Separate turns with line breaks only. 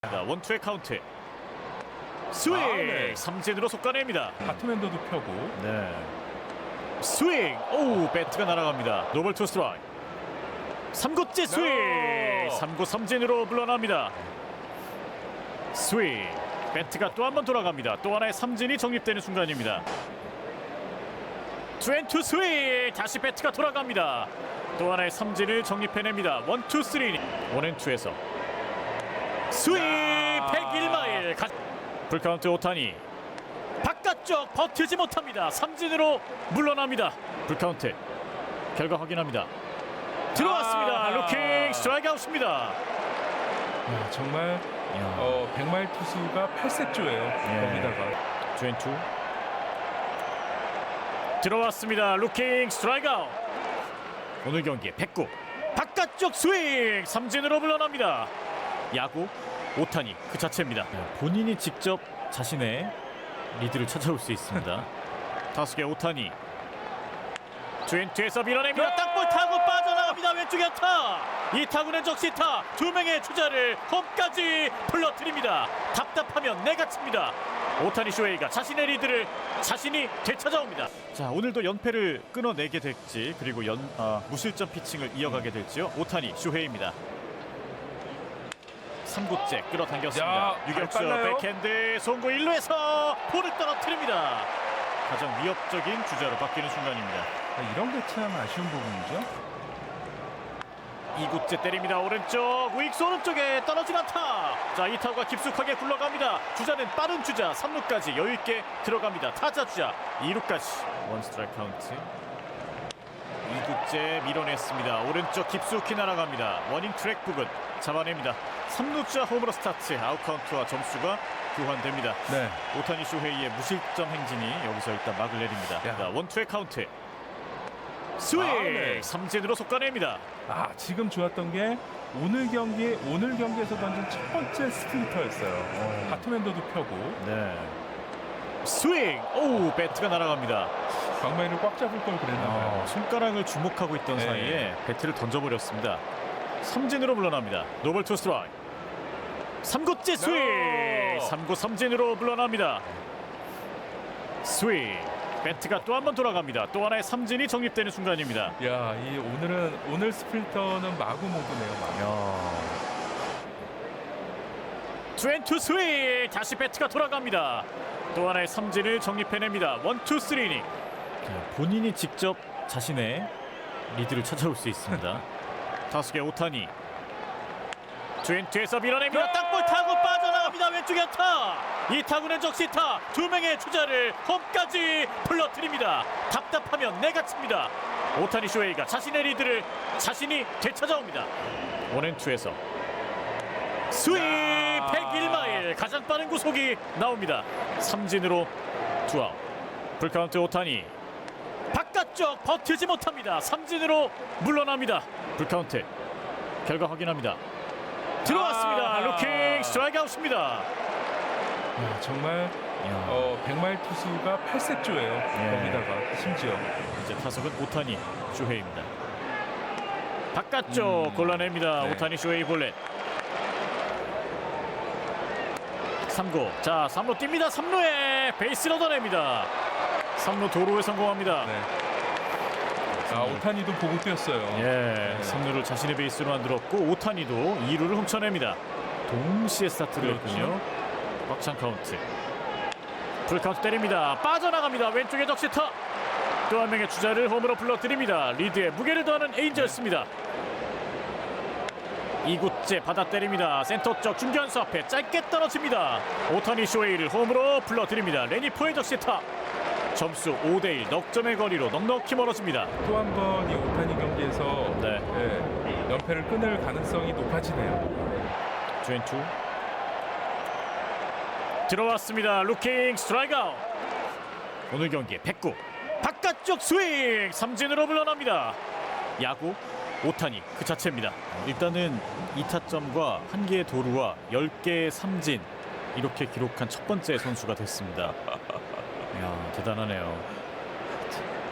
원투의 카운트. 스윙.
네.
삼진으로 속가냅니다.
바트맨더도 펴고.
네. 스윙. 오, 배트가 날아갑니다. 노볼 투 스트라이크. 3구째 스윙.
No.
3구 삼진으로 물러납니다. 스윙. 배트가 또 한 번 돌아갑니다. 또 하나의 삼진이 정립되는 순간입니다. 투앤투 스윙. 다시 배트가 돌아갑니다. 또 하나의 삼진을 정립해냅니다. 원투 쓰리. 원앤투에서 스윙. 101마일. 풀카운트 오타니. 바깥쪽 버티지 못합니다. 삼진으로 물러납니다. 풀카운트. 결과 확인합니다. 들어왔습니다. 루킹 스트라이크 아웃입니다.
야, 정말 100마일 투수가 8세조예요. 거기다가
투앤투. 들어왔습니다. 루킹 스트라이크 아웃. 오늘 경기에 109. 바깥쪽 스윙. 삼진으로 물러납니다. 야구 오타니 그 자체입니다. 본인이 직접 자신의 리드를 찾아올 수 있습니다. 타석의 오타니. 투앤투에서 밀어냅니다. 땅볼 타고 빠져나갑니다. 왼쪽에 안타. 이 타구는 적시타. 두 명의 주자를 홈까지 불러들입니다. 답답하면 내가 칩니다. 오타니 쇼헤이가 자신의 리드를 자신이 되찾아옵니다. 자, 오늘도 연패를 끊어내게 될지, 그리고 무실점 피칭을 이어가게 될지요. 오타니 쇼헤이입니다. 3구째 끌어당겼습니다.
야,
유격수
빨라요.
백핸드 송구 1루에서 볼을 떨어뜨립니다. 가장 위협적인 주자로 바뀌는 순간입니다.
이런 게 참 아쉬운 부분이죠.
2구째 때립니다. 오른쪽 우익수 오른쪽에 떨어진 안타. 자, 이 타구가 깊숙하게 굴러갑니다. 주자는 빠른 주자 3루까지 여유있게 들어갑니다. 타자 주자 2루까지 원 스트라이크 카운트. 2구째 밀어냈습니다. 오른쪽 깊숙이 날아갑니다. 워닝 트랙 부근 잡아냅니다. 3루자 홈으로 스타트. 아웃 카운트와 점수가 교환됩니다.
네.
오타니 쇼헤이의 무실점 행진이 여기서 일단 막을 내립니다.
야.
자, 원투의 카운트. 스윙.
네.
삼진으로 속가냅니다.
지금 좋았던 게 오늘 경기에서 던진 첫 번째 스플리터였어요. 바트맨더도 펴고
네. 스윙. 오, 배트가 날아갑니다.
광마이를 꽉 잡을 걸 그랬나봐요.
손가락을 주목하고 있던
네.
사이에 배트를 던져버렸습니다. 삼진으로 물러납니다. 노볼 투 스트라이크. 3구째 스윙.
No.
3구 삼진으로 물러납니다. 스윙. 배트가 또 한 번 돌아갑니다. 또 하나의 삼진이 정립되는 순간입니다.
야, 오늘 스플리터는 마구 모드네요. 마구.
투앤투 스윙. 다시 배트가 돌아갑니다. 또 하나의 삼진을 정립해냅니다. 원투 쓰리닝. 본인이 직접 자신의 리드를 찾아올 수 있습니다. 타석의 오타니. 투앤투에서 밀어냅니다. 땅볼 타고 빠져나갑니다. 왼쪽에 안타. 이 타구는 적시타. 두 명의 주자를 홈까지 불러들입니다. 답답하면 내가 칩니다. 오타니 쇼헤이가 자신의 리드를 자신이 되찾아옵니다. 원앤투에서 스윙. 101마일. 가장 빠른 구속이 나옵니다. 삼진으로 투아웃. 풀카운트 오타니. 바깥쪽 버티지 못합니다. 삼진으로 물러납니다. 풀카운트. 결과 확인합니다. 들어왔습니다. 루킹 스트라이크 아웃입니다.
야, 정말 100마일 투수가 8세조예요. 거기다가 심지어
이제 타석은 오타니 쇼헤이입니다. 바깥쪽 골라냅니다.
네.
오타니 쇼헤이 볼넷. 3구. 자, 3루 뜁니다. 3루에 베이스를 얻어냅니다. 3루 도루에 성공합니다.
네. 오타니도 보고 뛰었어요.
예, 3루를 자신의 베이스로 만들었고 오타니도 2루를 훔쳐냅니다. 동시에 스타트를
그렇죠.
했군요. 꽉찬 카운트. 풀카운트 때립니다. 빠져나갑니다. 왼쪽에 적시타. 또 한 명의 주자를 홈으로 불러들입니다. 리드에 무게를 더하는 에인저스입니다. 2구째 받아 때립니다. 센터 쪽 중견수 앞에 짧게 떨어집니다. 오타니 쇼헤이를 홈으로 불러들입니다. 레니포의 적시타. 점수 5대1 넉점의 거리로 넉넉히 멀어집니다.
또 한 번 이 오타니 경기에서
네.
연패를 끊을 가능성이 높아지네요.
투앤투. 들어왔습니다. 루킹 스트라이크 아웃. 오늘 경기에 109. 바깥쪽 스윙. 삼진으로 물러납니다. 야구 오타니 그 자체입니다. 일단은 2타점과 1개의 도루와 10개의 삼진, 이렇게 기록한 첫 번째 선수가 됐습니다. 이야, 대단하네요.